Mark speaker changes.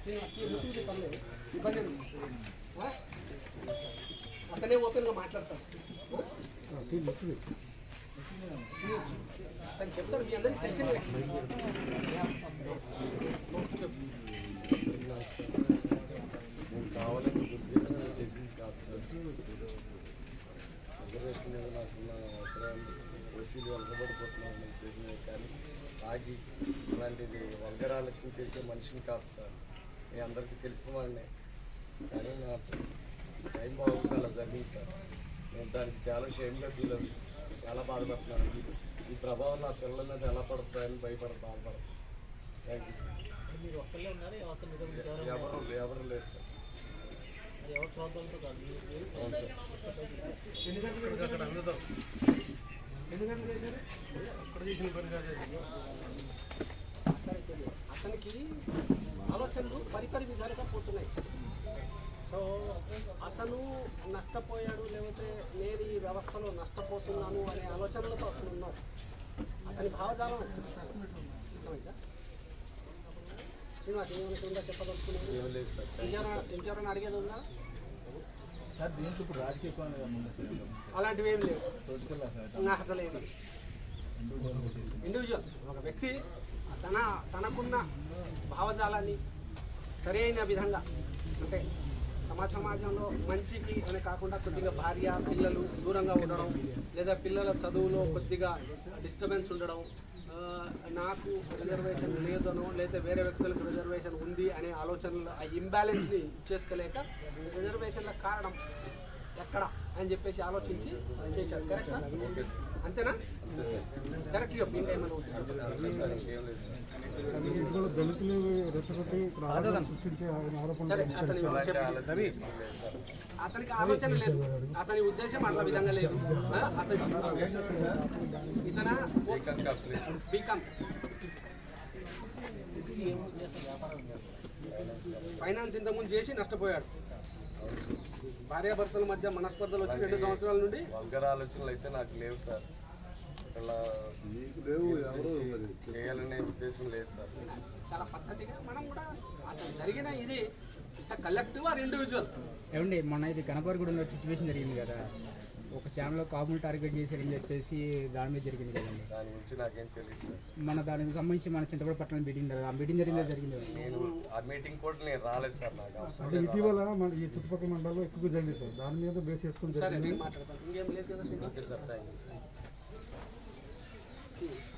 Speaker 1: అతనే ఓపెన్గా మాట్లాడతాడు. తను చెప్తారు మీ అందరికీ తెలిసినవే.
Speaker 2: నేను కావాలని ఉద్దేశం చేసింది కాదు సార్. రిజర్వేషన్ మీద నాకున్న అవసరాలు ఓసీలు వెనకబడిపోతున్నాను ఉద్దేశమే కానీ ఆగి అలాంటిది వల్గరాలకి చేసే మనిషిని కాదు సార్. మీ అందరికీ తెలిసిన వాడినే, కానీ నాకు టైం బాగుంది అలా జరిగింది సార్. నేను దానికి చాలా షేమ్గా ఫీల్ అవుతుంది, చాలా బాధపడుతున్నాను. ఈ ప్రభావం నా పిల్లల మీద ఎలా పడుతుందని బాధపడతాను. Thank you sir. ఎవరు లేదు సార్. అవును సార్.
Speaker 1: అతనికి ఆలోచనలు పరిపరి విధాలుగా పోతున్నాయి. సో అతను నష్టపోయాడు, లేకపోతే నేను ఈ వ్యవస్థలో నష్టపోతున్నాను అనే ఆలోచనలతో అతను ఉన్నాడు. అతని భావజాలం శ్రీనివాస్ ఏమైనా చెప్పదలుచుకున్నాను. ఇంకెవరైనా అడిగేది ఉందా
Speaker 3: సార్? దీంట్లో ఇప్పుడు రాజకీయ
Speaker 1: అలాంటివి ఏం లేవు అసలు. ఏమి ఇండివిజువల్ ఒక వ్యక్తి తనకున్న భావజాలాన్ని సరైన విధంగా, అంటే సమాజంలో మంచికి అని కాకుండా కొద్దిగా భార్య పిల్లలు దూరంగా ఉండడం, లేదా పిల్లల చదువులో కొద్దిగా డిస్టర్బెన్స్ ఉండడం, నాకు రిజర్వేషన్ లేదనో లేదా వేరే వ్యక్తులకు రిజర్వేషన్ ఉంది అనే ఆలోచనలు, ఆ ఇంబ్యాలెన్స్ని చేసుకోలేక రిజర్వేషన్ల కారణం ఎక్కడ అని చెప్పేసి ఆలోచించి చేశారు. కరెక్టా? అంతేనా? కరెక్ట్ చెప్పు. ఇంకా ఏమైనా అతనికి ఆలోచన లేదు, అతని ఉద్దేశం అట్లా విధంగా లేదు. ఇతన బీకామ్ ఫైనాన్స్ ఇంతకుముందు చేసి నష్టపోయాడు. భార్యాభర్తల మధ్య మనస్పర్ధలు వచ్చి 2 సంవత్సరాల నుండి
Speaker 2: వల్గర్ ఆలోచనలు అయితే నాకు లేవు సార్. ఇలా చేయాలనే ఉద్దేశం లేదు సార్.
Speaker 1: చాలా పద్ధతిగా మనం కూడా అతను జరిగిన ఇది కలెక్టివ్ ఆర్ ఇండివిజువల్.
Speaker 4: ఏమండి, మొన్న ఇది గణపవరగూడెంలో సిచ్యువేషన్ జరిగింది కదా, ఒక ఛానల్లో కాపులు టార్గెట్ చేశారని చెప్పేసి దాని మీద జరిగింది కదండి.
Speaker 2: దాని గురించి నాకేం తెలియదు సార్.
Speaker 4: దానికి సంబంధించి మన చింతపూడి పట్టణం మీటింగ్ కదా, ఆ మీటింగ్ జరిగింది.
Speaker 2: నేను ఆ మీటింగ్ కూడా నేను రాలేదు సార్. నాకు
Speaker 3: ఇటీవల మన ఈ చుట్టుపక్కల మండలంలో ఎక్కువ జరిగింది సార్. దాని మీద బేస్ చేసుకుని
Speaker 1: సరే మాట్లాడతాను. ఇంకేం లేదు కదా.
Speaker 2: Sir thank you.